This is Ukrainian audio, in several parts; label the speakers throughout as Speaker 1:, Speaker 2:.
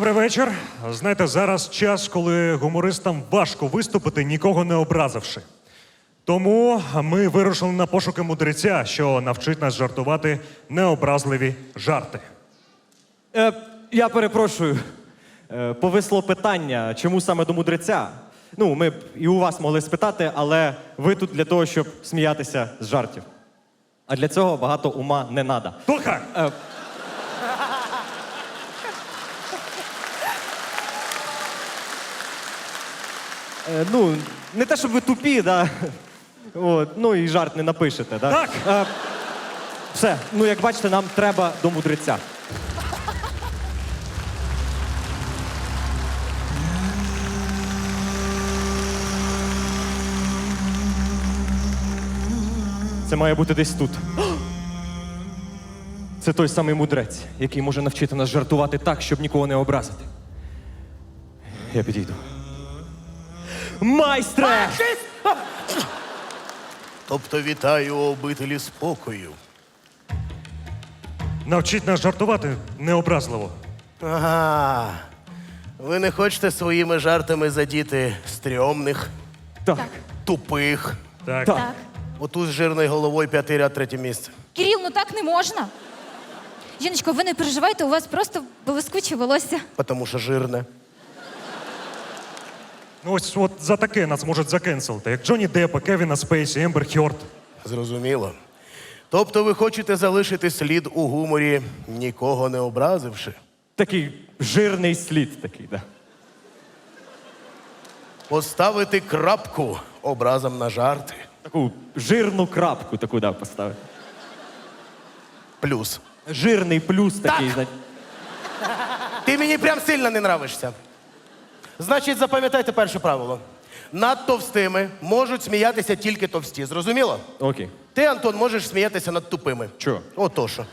Speaker 1: Добрий вечір. Знаєте, зараз час, коли гумористам важко виступити, нікого не образивши. Тому ми вирушили на пошуки мудреця, що навчить нас жартувати необразливі жарти.
Speaker 2: Я перепрошую. Повисло питання, чому саме до мудреця? Ну, ми б і у вас могли спитати, але ви тут для того, щоб сміятися з жартів. А для цього багато ума не треба.
Speaker 1: Слухай!
Speaker 2: Ну, не те, щоб ви тупі, да? От, ну і жарт не напишете, да?
Speaker 1: Так!
Speaker 2: Все, ну як бачите, нам треба до мудреця. Це має бути десь тут. Це той самий мудрець, який може навчити нас жартувати так, щоб нікого не образити. Я підійду. Майстре!
Speaker 3: Тобто вітаю у обителі спокою.
Speaker 1: Навчіть нас жартувати необразливо.
Speaker 3: Ага. Ви не хочете своїми жартами задіти стрьомних,
Speaker 2: Так.
Speaker 3: тупих.
Speaker 1: Так.
Speaker 2: Так.
Speaker 4: Так.
Speaker 3: Оту з жирною головою 5-й ряд, 3-е місце.
Speaker 4: Кирил, ну так не можна. Жіночко, ви не переживайте, у вас просто блискуче волосся.
Speaker 3: Тому що жирне.
Speaker 1: Ну ось от за таке нас можуть закенселити, як Джонні Деппа, Кевіна Спейсі, Ембер Хьорд.
Speaker 3: Зрозуміло. Тобто ви хочете залишити слід у гуморі, нікого не образивши?
Speaker 2: Такий жирний слід такий, да.
Speaker 3: Поставити крапку образом на жарти.
Speaker 2: Таку жирну крапку таку, да, поставити.
Speaker 3: Плюс.
Speaker 2: Жирний плюс такий,
Speaker 3: Так.
Speaker 2: знаєте.
Speaker 3: Ти мені прям сильно не нравишся. Значить, запам'ятайте перше правило. Над товстими можуть сміятися тільки товсті. Зрозуміло?
Speaker 2: Окей.
Speaker 3: Ти, Антон, можеш сміятися над тупими.
Speaker 2: Чого?
Speaker 3: Ото що.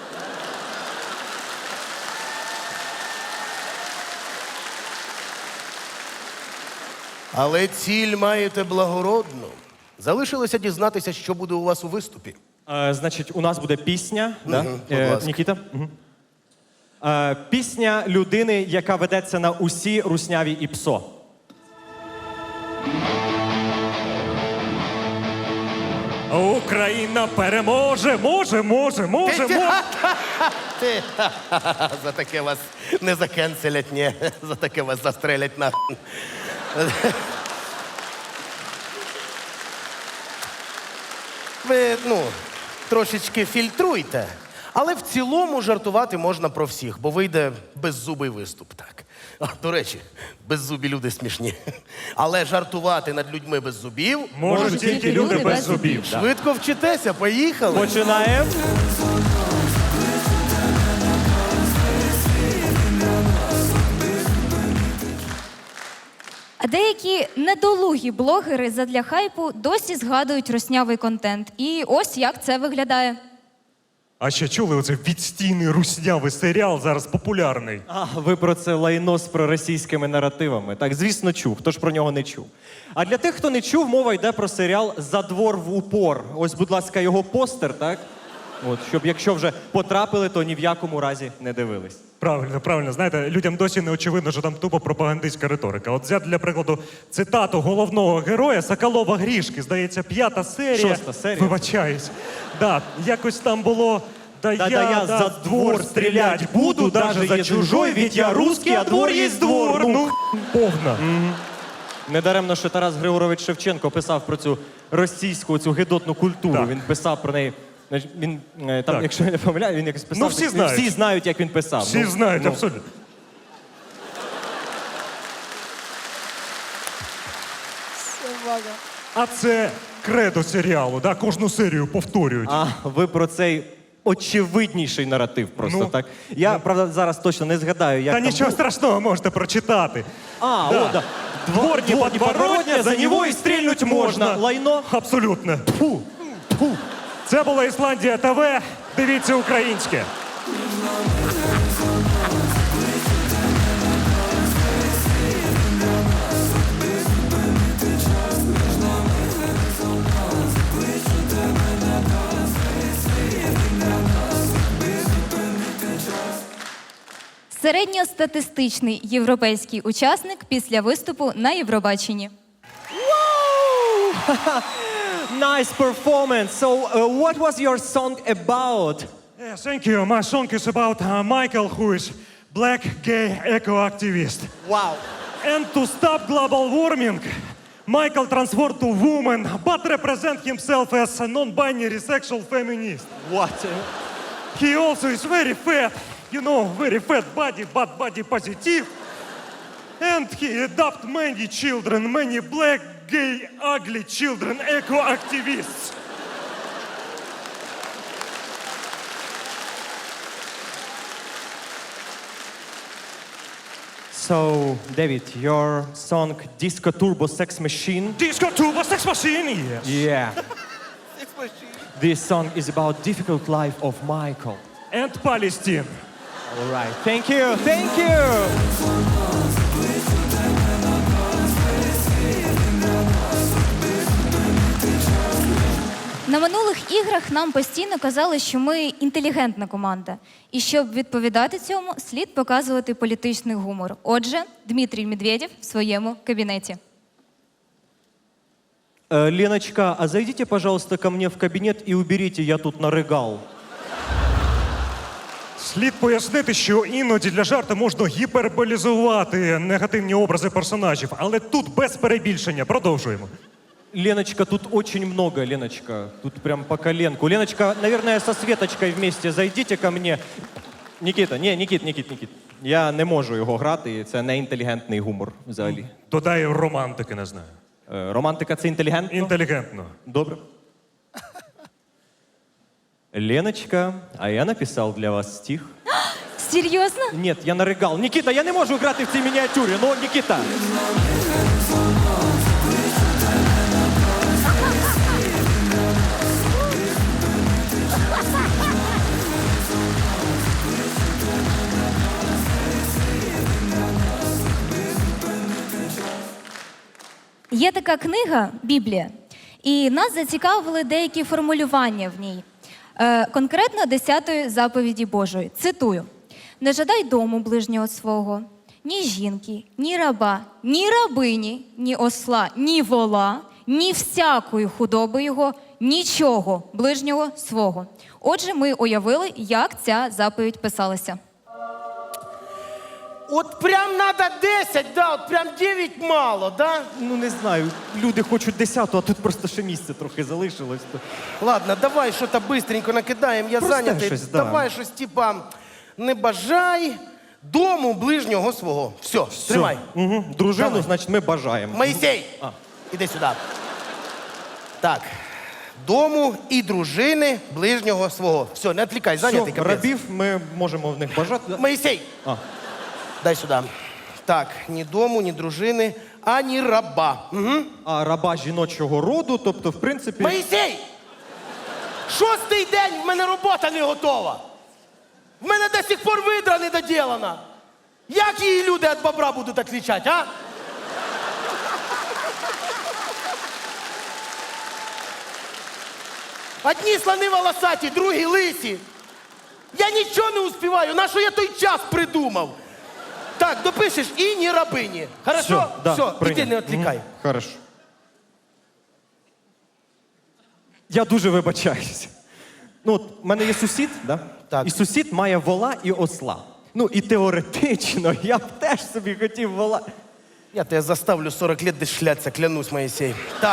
Speaker 3: Але ціль маєте благородну. Залишилося дізнатися, що буде у вас у виступі.
Speaker 2: Значить, у нас буде пісня. Да?
Speaker 3: будь ласка.
Speaker 2: Нікіта? Пісня людини, яка ведеться на усі русняві і псо.
Speaker 1: Україна переможе! Може!
Speaker 3: Ти, за таке вас не закенселять, ні. За таке вас застрелять на. Ви, трошечки фільтруйте. Але в цілому жартувати можна про всіх, бо вийде беззубий виступ, так. До речі, беззубі люди смішні. Але жартувати над людьми без зубів
Speaker 1: Можуть тільки люди без зубів.
Speaker 3: швидко вчитеся, поїхали.
Speaker 2: Починаємо.
Speaker 4: А деякі недолугі блогери задля хайпу досі згадують руснявий контент. І ось як це виглядає.
Speaker 1: А ще чули оцей відстійний руснявий серіал, зараз популярний?
Speaker 2: А, ви про це лайно з проросійськими наративами. Так, звісно, чув. Хто ж про нього не чув? А для тих, хто не чув, мова йде про серіал «За двор в упор». Ось, будь ласка, його постер, так? От, щоб якщо вже потрапили, то ні в якому разі не дивились.
Speaker 1: Правильно. Знаєте, людям досі не очевидно, що там тупо пропагандистська риторика. От взяти, для прикладу, цитату головного героя Соколова Грішки, здається, 5-та серія.
Speaker 2: 6-та серія.
Speaker 1: Вибачаюсь. Да, якось там було... Да
Speaker 2: Да я за двор стрілять буду, даже за чужой, ведь я русский, а двор есть двор.
Speaker 1: Ну, повна.
Speaker 2: Недаремно, що Тарас Григорович Шевченко писав про цю російську, цю гидотну культуру.
Speaker 1: Так.
Speaker 2: Він писав про неї. Значить, він там,
Speaker 1: Так.
Speaker 2: якщо я не помиляю, він якось писав.
Speaker 1: Ну, всі знають.
Speaker 2: Всі знають, як він писав.
Speaker 1: Всі знають, абсолютно. А це кредо серіалу, да? Кожну серію повторюють.
Speaker 2: А ви про цей очевидніший наратив просто,
Speaker 1: Ну,
Speaker 2: так? Я, правда, зараз точно не згадаю, як
Speaker 1: Та
Speaker 2: там
Speaker 1: нічого
Speaker 2: був.
Speaker 1: страшного, можете прочитати.
Speaker 2: А,
Speaker 1: Да.
Speaker 2: о, да. Двор неподворотня, за него і стрільнуть можна. Лайно.
Speaker 1: Абсолютно. Фу. Це була Ісландія ТВ. Дивіться українське.
Speaker 4: Середньостатистичний європейський учасник після виступу на Євробаченні.
Speaker 2: Nice performance. So, what was your song about?
Speaker 1: Yeah, thank you. My song is about Michael, who is black gay eco-activist.
Speaker 2: Wow.
Speaker 1: And to stop global warming, Michael transformed to woman, but represent himself as a non-binary sexual feminist.
Speaker 2: What?
Speaker 1: He also is very fat, you know, very fat body, but body positive. And he adopt many children, many black, gay, ugly children, eco-activists.
Speaker 2: So, David, your song Disco Turbo Sex Machine.
Speaker 1: Disco Turbo Sex Machine, yes.
Speaker 2: Yeah. This song is about difficult life of Michael.
Speaker 1: And Palestine.
Speaker 2: All right. Thank you. Thank you.
Speaker 4: На минулих іграх нам постійно казали, що ми інтелігентна команда. І щоб відповідати цьому, слід показувати політичний гумор. Отже, Дмитрій Медведєв в своєму кабінеті.
Speaker 2: Леночка, а зайдите, пожалуйста, ко мне в кабинет и уберите, я тут нарыгал.
Speaker 1: Слід пояснити, що іноді для жарту можна гіперболізувати негативні образи персонажів, але тут без перебільшення. Продовжуємо.
Speaker 2: Леночка, тут очень много, Леночка. Тут прям по коленку. Леночка, наверное, со Светочкой вместе зайдите ко мне. Никита, Никит. Я не можу його грати, і це не інтелігентний гумор взагалі.
Speaker 1: Додай романтики, не знаю.
Speaker 2: Романтика це інтелігентно?
Speaker 1: Інтелігентно.
Speaker 2: Добре. Леночка, а я написав для вас стих.
Speaker 4: Серйозно?
Speaker 2: Ні, я наригал. Нікіта, я не можу грати в цій мініатюрі. Ну, Нікіта.
Speaker 4: Є така книга «Біблія», і нас зацікавили деякі формулювання в ній. Конкретно 10-ї заповіді Божої. Цитую. «Не жадай дому ближнього свого, ні жінки, ні раба, ні рабині, ні осла, ні вола, ні всякої худоби його, нічого ближнього свого». Отже, ми уявили, як ця заповідь писалася.
Speaker 3: От прям надо 10, да, от прям 9 мало, да?
Speaker 2: Ну, не знаю, люди хочуть 10-ту, а тут просто ще місце трохи залишилось.
Speaker 3: Ладно, давай щось бистренько накидаємо, я
Speaker 2: Просте
Speaker 3: зайнятий.
Speaker 2: щось, да.
Speaker 3: Давай щось типа не бажай дому ближнього свого. Все, тримай.
Speaker 2: Угу. Дружину,
Speaker 3: Давай.
Speaker 2: значить, ми бажаємо.
Speaker 3: Моїсей, іди сюди. Так. Дому і дружини ближнього свого. Все, не відвлікай, зайнятий
Speaker 2: Все,
Speaker 3: капець.
Speaker 2: рабів ми можемо в них бажати.
Speaker 3: Моїсей,
Speaker 2: А.
Speaker 3: дай сюди. Так, ні дому, ні дружини, ані раба. Угу.
Speaker 2: А раба жіночого роду, тобто, в принципі...
Speaker 3: Моїсей! 6-й день, в мене робота не готова. В мене до сих пор видра не доділана. Як її люди від бобра будуть відлічати, а? Одні слони волосаті, другі лисі. Я нічого не успіваю. На що я той час придумав? Так, допишеш і ні рабині. Хорошо?
Speaker 2: да,
Speaker 3: Все,
Speaker 2: прийняв.
Speaker 3: іди не відвлікай.
Speaker 2: Мгм, хорошо. Я дуже вибачаюся. Ну, от, в мене є сусід, да?
Speaker 3: Так.
Speaker 2: І сусід має вола і осла. Ну, і теоретично я б теж собі хотів вола.
Speaker 3: Я тебе заставлю 40 лет десь шляться, клянусь, Моїсей. Так.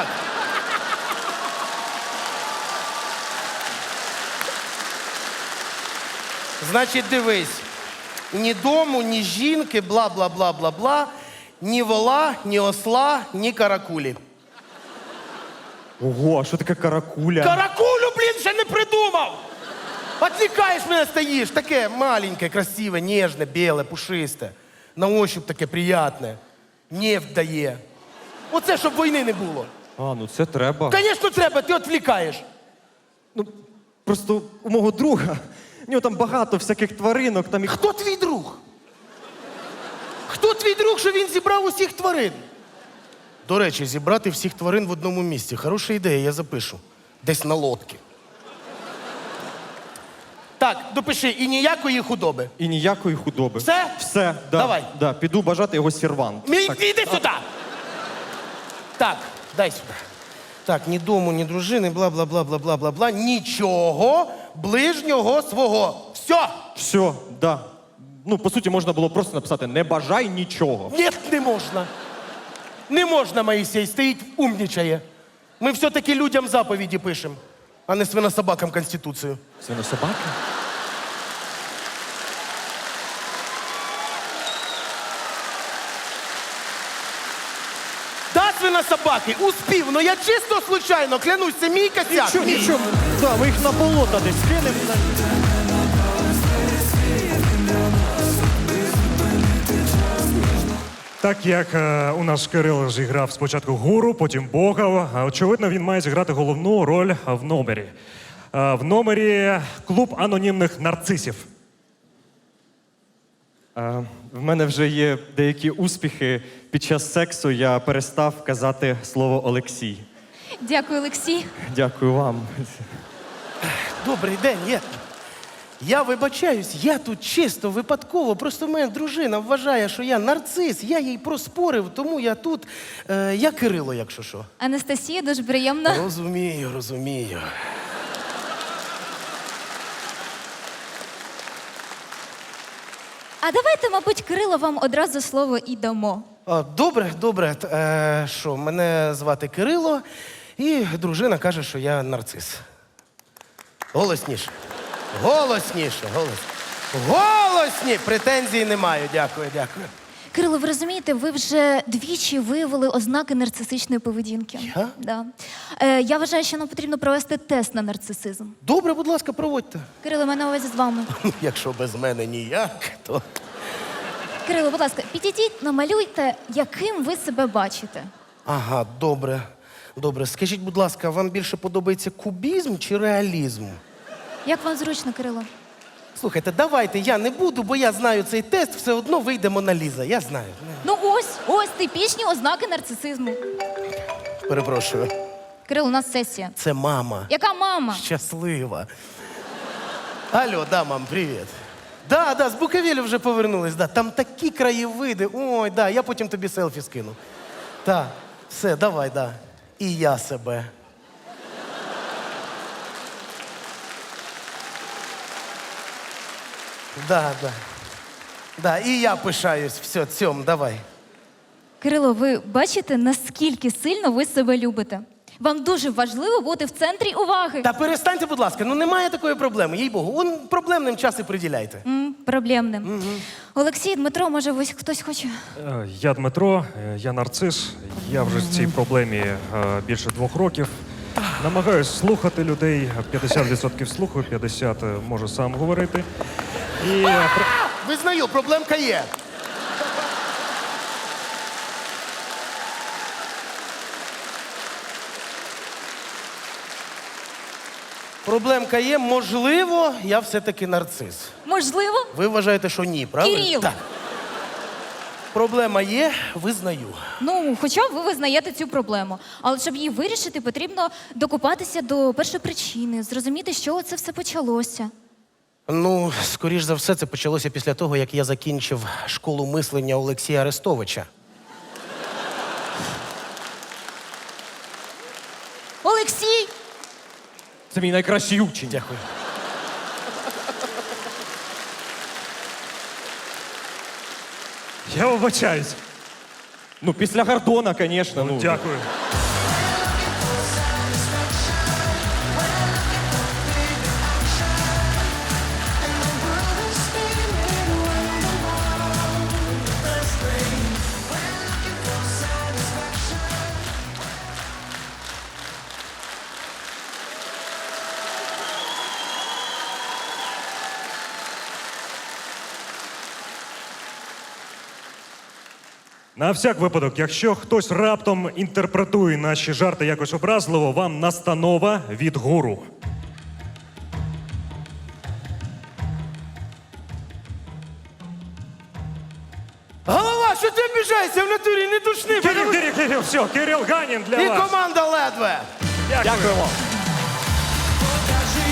Speaker 3: Значить, дивись. Ні дому, ні жінки, бла-бла-бла-бла-бла, ні вола, ні осла, ні каракулі.
Speaker 2: Ого, а що таке каракуля?
Speaker 3: Каракулю, блін, ще не придумав! Отвлекаєш мене, стоїш, таке маленьке, красиве, ніжне, біле, пушисте. На ощупь таке приятне. Нефть дає. Оце, щоб війни не було.
Speaker 2: А, ну це треба.
Speaker 3: Звісно, треба, ти відвлікаєш.
Speaker 2: Ну, просто у мого друга, у нього там багато всяких тваринок, там і...
Speaker 3: Хто твій друг? Хто твій друг, що він зібрав усіх тварин? До речі, зібрати всіх тварин в одному місці. Хороша ідея, я запишу. Десь на лодці. Так. Так, допиши, і ніякої худоби.
Speaker 2: І ніякої худоби.
Speaker 3: Все?
Speaker 2: Все, да.
Speaker 3: Давай.
Speaker 2: Да, піду бажати його сервант.
Speaker 3: Іди сюди! Так, дай сюди. Так, ні дому, ні дружини, бла-бла-бла-бла-бла-бла-бла. Нічого ближнього свого. Все!
Speaker 2: Все, да. Ну, по суті, можна було просто написати «не бажай нічого».
Speaker 3: Ні, не можна. Не можна, Моїсей, стоїть, умнічає. Ми все-таки людям заповіді пишемо, а не свинособакам Конституцію.
Speaker 2: Свинособаки?
Speaker 3: Да, свинособаки, успів, ну я чисто случайно, клянусь, це мій косяк.
Speaker 2: Нічого,
Speaker 3: мій.
Speaker 2: нічого. Да, ми їх на болото десь кинемо.
Speaker 1: Так як у нас Кирило зіграв спочатку гуру, потім Бога, очевидно, він має зіграти головну роль в номері. В номері клуб анонімних нарцисів.
Speaker 2: В мене вже є деякі успіхи. Під час сексу я перестав казати слово Олексій.
Speaker 4: Дякую, Олексій.
Speaker 2: Дякую вам.
Speaker 3: Добрий день, я вибачаюсь, я тут чисто випадково. Просто моя дружина вважає, що я нарцис, я їй проспорив, тому я тут. Я Кирило, якщо що.
Speaker 4: Анастасія, дуже приємно.
Speaker 3: Розумію, розумію.
Speaker 4: А давайте, мабуть, Кирило, вам одразу слово і дамо.
Speaker 3: Добре, добре. Що, мене звати Кирило, і дружина каже, що я нарцис. Голосніше. Голосніше, голосні! Претензій не маю. Дякую, дякую.
Speaker 4: Кирило, ви розумієте, ви вже двічі виявили ознаки нарцисичної поведінки.
Speaker 3: Я?
Speaker 4: Да. Я вважаю, що нам потрібно провести тест на нарцисизм.
Speaker 3: Добре, будь ласка, проводьте.
Speaker 4: Кирило, мене на увазі з вами.
Speaker 3: Якщо без мене ніяк, то.
Speaker 4: Кирило, будь ласка, підійдіть, намалюйте, яким ви себе бачите.
Speaker 3: Ага, добре. Добре. Скажіть, будь ласка, вам більше подобається кубізм чи реалізм?
Speaker 4: Як вам зручно, Кирило?
Speaker 3: Слухайте, давайте я не буду, бо я знаю цей тест, все одно вийде Мона Ліза. Я знаю.
Speaker 4: Ну ось типічні ознаки нарцисизму.
Speaker 3: Перепрошую.
Speaker 4: Кирило, у нас сесія.
Speaker 3: Це мама.
Speaker 4: Яка мама?
Speaker 3: Щаслива. Алло, да, мам, привіт. Да, з Буковелі вже повернулись. Да. Там такі краєвиди. Ой, да, я потім тобі селфі скину. Так, все, давай, да. І я себе. Да. Да, і я пишаюсь. Все, цьом, давай.
Speaker 4: Кирило, ви бачите, наскільки сильно ви себе любите? Вам дуже важливо бути в центрі уваги.
Speaker 3: Та перестаньте, будь ласка, ну немає такої проблеми, їй-богу. Он проблемним час і приділяйте.
Speaker 4: Проблемним. Олексій, Дмитро, може, ось хтось хоче?
Speaker 1: Я Дмитро, я нарцис. Я вже в цій проблемі більше 2 років. Намагаюсь слухати людей. 50% слухаю, 50% можу сам говорити. І
Speaker 3: Визнаю, проблемка є. Проблемка є, можливо, я все-таки нарцис.
Speaker 4: Можливо?
Speaker 3: Ви вважаєте, що ні, правда?
Speaker 4: Кирил!
Speaker 3: Так. Проблема є, визнаю.
Speaker 4: Ну, хоча б ви визнаєте цю проблему. Але щоб її вирішити, потрібно докопатися до першопричини, зрозуміти, з чого це все почалося.
Speaker 3: Ну, скоріш за все, це почалося після того, як я закінчив школу мислення Олексія Арестовича.
Speaker 4: Олексій!
Speaker 2: Це мій найкращий учень.
Speaker 3: Дякую.
Speaker 1: я вибачаюсь.
Speaker 2: Ну, після Гордона, звісно. Ну,
Speaker 1: Дякую. На всяк випадок, якщо хтось раптом інтерпретує наші жарти якось образливо, вам настанова від гуру.
Speaker 3: Голова, що ти обіжаєшся в натурі? Не душни!
Speaker 1: Кирил, все, Кирил Ганін для
Speaker 3: І
Speaker 1: вас.
Speaker 3: команда ледве.
Speaker 1: Дякую.
Speaker 2: Дякуємо.
Speaker 5: Покажи